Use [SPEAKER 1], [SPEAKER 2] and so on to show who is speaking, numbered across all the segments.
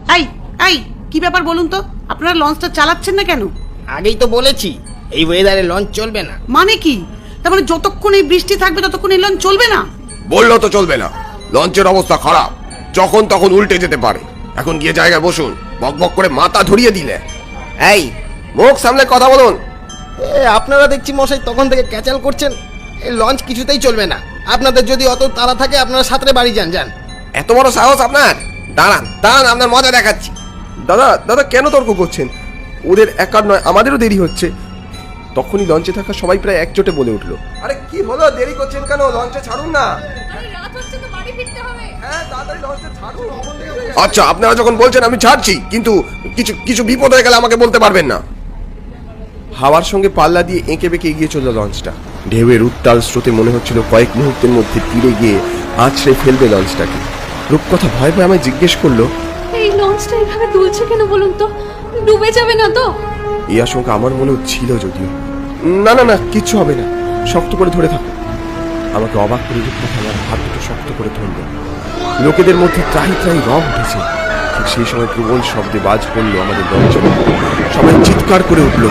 [SPEAKER 1] এই এই কি ব্যাপার বলুন তো, আপনারা লঞ্চটা চালাচ্ছেন না কেন?
[SPEAKER 2] আগেই তো বলেছি এই ওয়েদারে লঞ্চ চলবে না।
[SPEAKER 1] মানে কি? তার মানে যতক্ষণ এই বৃষ্টি থাকবে ততক্ষণ এই লঞ্চ চলবে না?
[SPEAKER 3] বললো তো চলবে না, লঞ্চের অবস্থা খারাপ, যখন তখন উল্টে যেতে পারে। এখন গিয়ে জায়গায় বসুন, বকবক করে মাথা ধরিয়ে দিলে।
[SPEAKER 2] এই মুখ সামলে কথা বলুন। আপনারা দেখছি মশাই তখন থেকে ক্যাচাল করছেন, এই লঞ্চ কিছুতেই চলবে না। আপনাদের যদি অত তাড়া থাকে আপনারা সাঁতরে বাড়ি যান। যান।
[SPEAKER 3] এত বড় সাহস আপনার? দাঁড়ান দাঁড়ান, আপনার মজা দেখাচ্ছি। দাদা দাদা কেন তর্ক করছেন? ওদের একার নয়, আমাদেরও দেরি হচ্ছে। তখনই লঞ্চে থাকা সবাই প্রায় একজোটে বলে উঠলো, আরে কি হলো, দেরি করছেন কেন? লঞ্চে ছাড়ুন না। আচ্ছা আপনারা যখন বলছেন আমি ছাড়ছি, কিন্তু কিছু কিছু বিপদ হয়ে গেলে আমাকে বলতে পারবেন না। হাওয়ার সঙ্গে পাল্লা দিয়ে এঁকে বেঁকে এগিয়ে চলল লঞ্চটা। ঢেউয়ের উত্তাল স্রোতে মনে হচ্ছিল কয়েক মুহূর্তের মধ্যে তীরে গিয়ে আছড়ে ফেলবে লঞ্চটাকে। রূপকথা ভয় ভয়ে আমায় জিজ্ঞেস করলো,
[SPEAKER 4] এই লঞ্চটা এভাবে দুলছে কেন বলুন তো? ডুবে যাবে না তো?
[SPEAKER 3] এই আশঙ্কা আমার মনেও ছিল যদিও। না না না, কিচ্ছু হবে না, শক্ত করে ধরে থাকো। আমাকে অবাক করে রূপকথা আমার হাত দুটো শক্ত করে ধরল। লোকেদের মধ্যে ত্রাহি ত্রাহি রব উঠেছে। ঠিক সেই সময় প্রবল শব্দে বাজ পড়লো আমাদের লঞ্চের। সবাই চিৎকার করে উঠলো।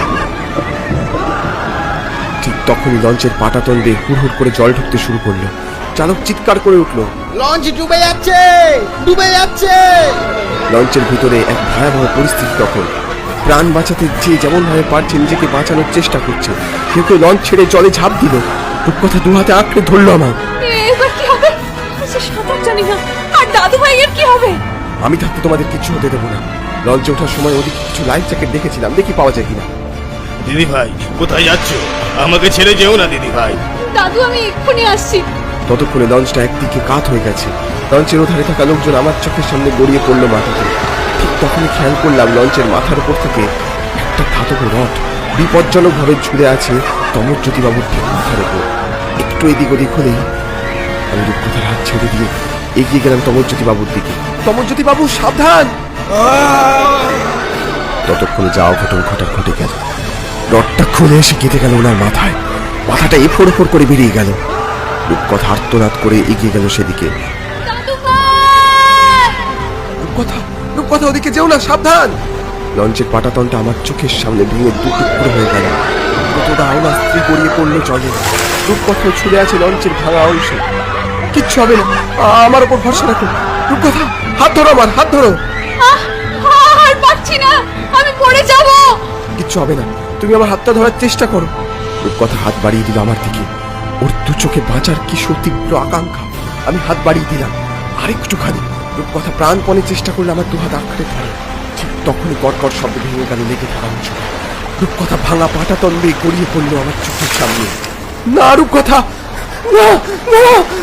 [SPEAKER 3] ঠিক তখনই লঞ্চের পাটাতন দিয়ে হুড় হুড় করে জল ঢুকতে শুরু করলো। চালক চিৎকার করে উঠলো,
[SPEAKER 2] লঞ্চ ডুবে যাচ্ছে, ডুবে যাচ্ছে।
[SPEAKER 3] লঞ্চের ভিতরে এক ভয়াবহ পরিস্থিতি। তখন প্রাণ বাঁচাতে যে যেমন ভাবে পারছে নিজেকে বাঁচানোর চেষ্টা করছে। কেউ কেউ লঞ্চ ছেড়ে জলে ঝাঁপ দিল। রূপকথা দু হাতে আঁকড়ে ধরলো আমার।
[SPEAKER 4] এবার কি হবে? সাঁতার জানি না। আর দাদু ভাইয়ের কি হবে?
[SPEAKER 3] আমি থাকতে তোমাদের কিছু হতে দেবো না। লঞ্চে ওঠার সময় ওদিকে কিছু লাইফ জ্যাকেট দেখেছিলাম, দেখি পাওয়া যায় কিনা।
[SPEAKER 5] দিদি ভাই কোথায় যাচ্ছ? আমাকে ছেড়ে যেও না দিদি ভাই।
[SPEAKER 4] দাদু আমি এক্ষুনি আসছি।
[SPEAKER 3] ততক্ষণে লঞ্চটা একদিকে কাত হয়ে গেছে। লঞ্চের ওধারে থাকা লোকজন আমার চোখের সামনে গড়িয়ে পড়লো মাথাতে। ঠিক তখনই খেয়াল করলাম লঞ্চের মাথার উপর থেকে একটা ধাতব রড বিপজ্জনকভাবে ঝুলে আছে তমরজ্যোতিবাবুর ঠিক মাথার উপর। একটু এদিক ওদিক হলেই আমি রূপকথার হাত ছেড়ে দিয়ে এগিয়ে গেলাম তমরজ্যোতিবাবুর দিকে। তমরজ্যোতিবাবু সাবধান! ততক্ষণে যা অঘটন ঘটে গেল। রডটা খুলে এসে কেটে গেল ওনার মাথায়। মাথাটা এফোড় এফোড় করে বেরিয়ে গেল। রূপকথা আর্তনাদ করে এগিয়ে গেল সেদিকে। রূপকথা ওদিকে যেও না, সাবধান! লঞ্চের পাটাতনটা আমার চোখের সামনে ভেঙে দুটুকরো হয়ে গেল। কতটা আওলা স্ত্রী গড়িয়ে পড়লো জলে। রূপকথা ছুড়ে আছে লঞ্চের ভাঙা অংশে। কিচ্ছু হবে না, আমার ওপর ভরসা রাখো। রূপকথা হাত ধরো, আমার হাত ধরো।
[SPEAKER 4] আর পারছি না, আমি পড়ে যাব।
[SPEAKER 3] কিচ্ছু হবে না, তুমি আমার হাতটা ধরার চেষ্টা করো। রূপকথা হাত বাড়িয়ে দিল আমার দিকে। ওর দু চোখে বাঁচার কি তীব্র আকাঙ্ক্ষা। আমি হাত বাড়িয়ে দিলাম আরেকটুখানি। রূপকথা প্রাণপণে চেষ্টা করলে আমার দু হাত আঁকড়ে ধরে। ঠিক তখনই কটকট শব্দ ভেঙে গেল লেগে থাকা অংশ। রূপকথা ভাঙা পাটাতন দিয়ে গড়িয়ে পড়লো আমার চোখের সামনে। না রূপকথা, না না!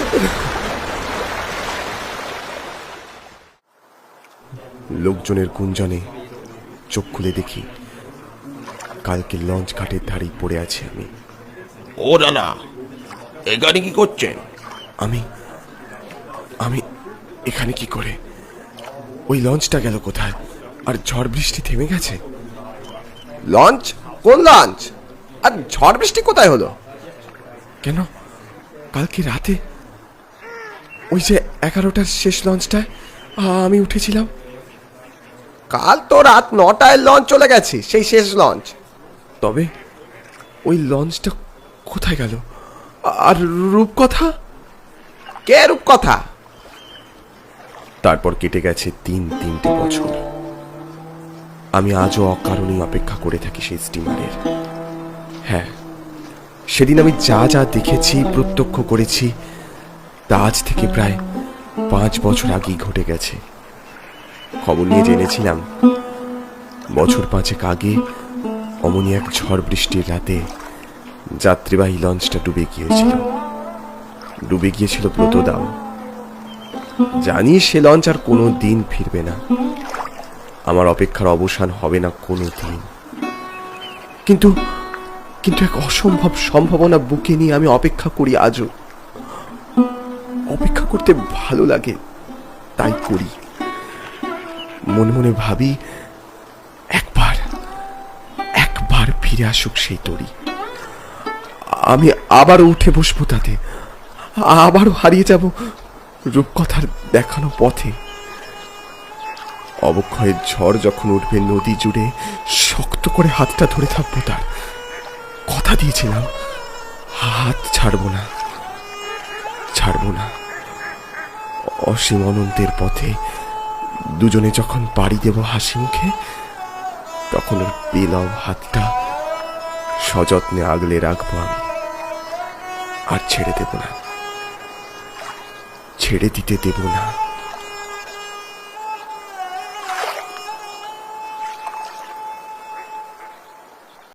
[SPEAKER 3] লোকজনের গুঞ্জনে চোখ খুলে দেখি কালকে লঞ্চ ঘাটের ধারেই পড়ে আছি আমি।
[SPEAKER 5] ও দাদা, এখানে কি করছেন?
[SPEAKER 3] আমি আমি এখানে কি করে? ওই লঞ্চটা গেল কোথায়? আর ঝড় বৃষ্টি থেমে গেছে? লঞ্চ? কোন লঞ্চ? আর ঝড় বৃষ্টি কোথায় হলো? কেন কালকে রাতে ওই যে 11টার শেষ লঞ্চটায় আমি উঠেছিলাম? কাল তো রাত 9টায় লঞ্চ চলে গেছে, সেই শেষ লঞ্চ। তবে ওই লঞ্চটা কোথায় গেল? আর রূপকথা? কে রূপকথা? তারপর কেটে গেছে তিনটে বছর। আমি আজও অকারণে অপেক্ষা করে থাকি সেই স্টিমারের। হ্যাঁ, সেদিন আমি যা যা দেখেছি, প্রত্যক্ষ করেছি, তা আজ থেকে প্রায় 5 বছর আগেই ঘটে গেছে। খবর নিয়ে জেনেছিলাম বছর 5 আগে অমনি এক ঝড় বৃষ্টির রাতে যাত্রীবাহী লঞ্চটা ডুবে গিয়েছিল ব্রতদাও। জানি সে লঞ্চ আর কোনো দিন ফিরবে না। আমার অপেক্ষার অবসান হবে না কোনো দিন। কিন্তু এক অসম্ভব সম্ভাবনা বুকে নিয়ে আমি অপেক্ষা করি আজও। অপেক্ষা করতে ভালো লাগে, তাই করি। মনে মনে ভাবি একবার ফিরে আসুক সেই তরি। আমি আবারও উঠে বসবো তাতে, আবারও হারিয়ে যাব রূপকথার দেখানো পথে। অবক্ষয়ের ঝড় যখন উঠবে নদী জুড়ে শক্ত করে হাতটা ধরে থাকবো তার। কথা দিয়েছিলাম হাত ছাড়বো না, ছাড়বো না। অসীম অনন্তের পথে দুজনে যখন পাড়ি দেব হাসি মুখে, তখন ওর পেলাও হাতটা সযত্নে আগলে রাখবো আমি, আর ছেড়ে দেব না, ছেড়ে দিতে দেব না।